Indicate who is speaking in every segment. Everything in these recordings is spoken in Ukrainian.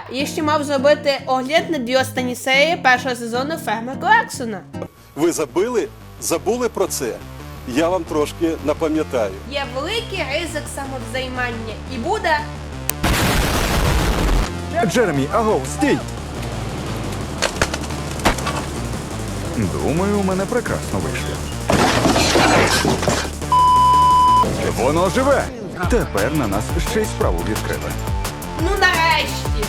Speaker 1: я ще мав зробити огляд на 2 останні серії першого сезону «Ферми Кларксона».
Speaker 2: Ви забули про це? Я вам трошки напам'ятаю.
Speaker 1: Є великий ризик самовзаймання і буде...
Speaker 3: Джеремі, агов, стій! Думаю, у мене прекрасно вийшло. Воно живе! Тепер на нас ще й справу відкрили.
Speaker 1: Ну нарешті!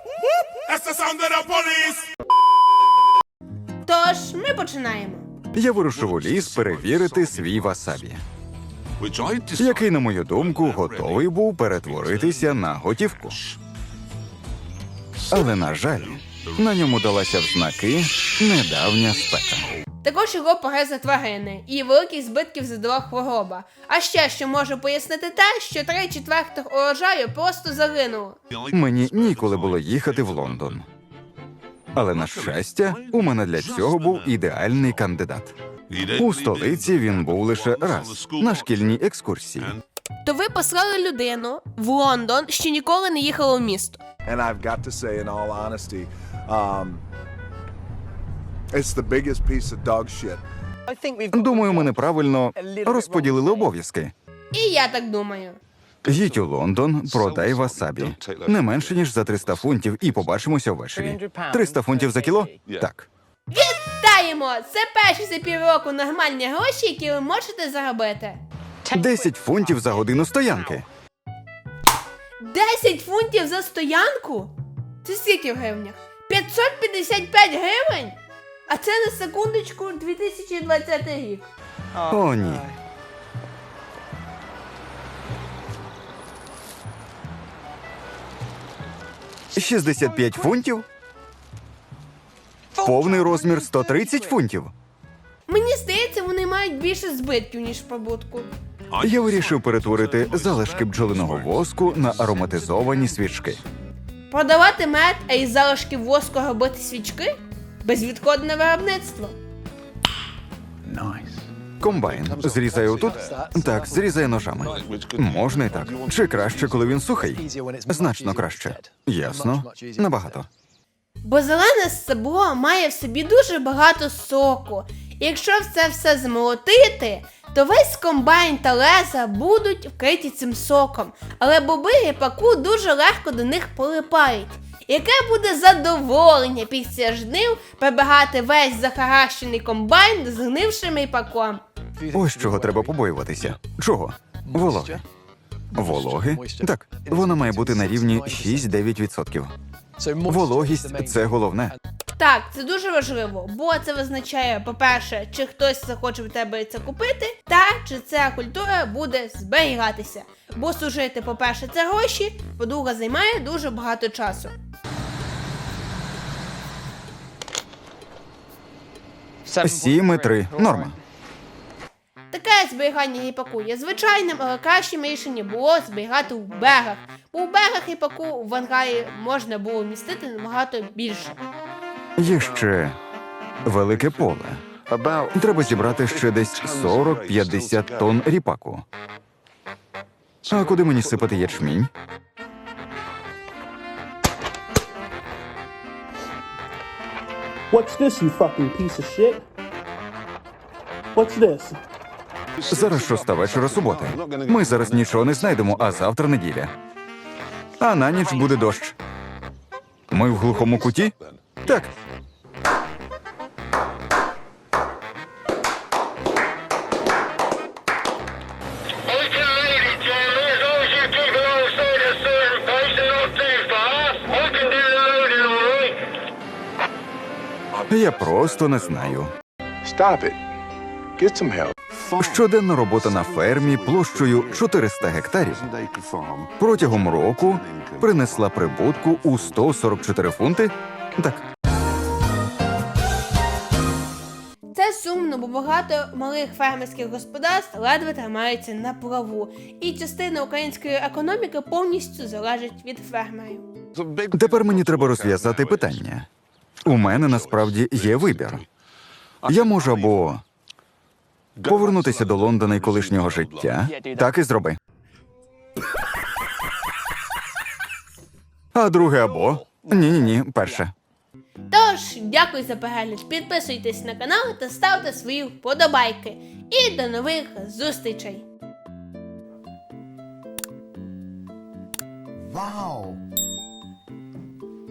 Speaker 1: Тож, ми починаємо.
Speaker 3: Я вирушив у ліс перевірити свій васабі, який, на мою думку, готовий був перетворитися на готівку. Але, на жаль, на ньому далася в знаки недавня спека.
Speaker 1: Також його погризли тварини, і великих збитків задала хвороба. А ще, що може пояснити те, що 3/4 урожаю просто загинуло.
Speaker 3: Мені ніколи було їхати в Лондон. Але, на щастя, у мене для цього був ідеальний кандидат. У столиці він був лише раз, на шкільній екскурсії.
Speaker 1: То ви послали людину в Лондон, що ніколи не їхала в місто.
Speaker 4: And I've got to say, in all honesty, it's the biggest piece of dog shit.
Speaker 3: Думаю, ми неправильно розподілили обов'язки.
Speaker 1: І я так думаю.
Speaker 3: Їдь у Лондон, продай васабі. Не менше, ніж за 300 фунтів, і побачимося ввечері. 300 фунтів за кіло? Так.
Speaker 1: Вітаємо! Це перші за півроку нормальні гроші, які ви можете заробити.
Speaker 3: 10 фунтів за годину стоянки.
Speaker 1: 10 фунтів за стоянку? Це скільки в гривнях? 555 гривень? А це на секундочку 2020 рік.
Speaker 3: О, ні. «65 фунтів? Повний розмір 130 фунтів.
Speaker 1: Мені здається, вони мають більше збитків, ніж прибутку.
Speaker 3: Я вирішив перетворити залишки бджолиного воску на ароматизовані свічки.
Speaker 1: Продавати мед, а із залишків воску робити свічки? Безвідходне виробництво.
Speaker 3: Комбайн зрізає отут? Так, зрізає ножами. Можна і так. Чи краще, коли він сухий? Значно краще. Ясно. Набагато.
Speaker 1: Бо зелене стебло має в собі дуже багато соку. І якщо це все змолотити, то весь комбайн та леза будуть вкриті цим соком. Але боби ріпаку дуже легко до них прилипають. Яке буде задоволення після жнив прибігати весь захаращений комбайн з гнившим ріпаком.
Speaker 3: Ось чого треба побоюватися. Чого? Вологи. Вологи? Так, вона має бути на рівні 6-9%. Вологість – це головне.
Speaker 1: Так, це дуже важливо, бо це визначає, по-перше, чи хтось захоче в тебе це купити, та чи ця культура буде зберігатися. Бо сушити, по-перше, це гроші, по-друге, займає дуже багато часу.
Speaker 3: Сім і 3. Норма.
Speaker 1: Таке зберігання ріпаку є звичайним, але кращим рішенням було зберігати в берегах. Бо в берегах ріпаку в ангарі можна було вмістити набагато більше.
Speaker 3: Є ще велике поле. Треба зібрати ще десь 40-50 тонн ріпаку. А куди мені сипати ячмінь?
Speaker 5: What's this, you fucking piece of shit? What's this?
Speaker 3: Зараз 6 вечора суботи. Ми зараз нічого не знайдемо, а завтра неділя. А на ніч буде дощ. Ми в глухому куті? Так. Я просто не знаю.
Speaker 4: Stop it. Get some help.
Speaker 3: Щоденна робота на фермі площею 400 гектарів протягом року принесла прибутку у 144 фунти. Так.
Speaker 1: Це сумно, бо багато малих фермерських господарств ледве тримаються на плаву. І частина української економіки повністю залежить від фермерів.
Speaker 3: Тепер мені треба розв'язати питання. У мене насправді є вибір. Я можу або повернутися до Лондона і колишнього життя. Так і зроби. А друге або Ні, перше.
Speaker 1: Тож, дякую за перегляд, підписуйтесь на канал та ставте свої вподобайки. І до нових зустрічей!
Speaker 6: Wow.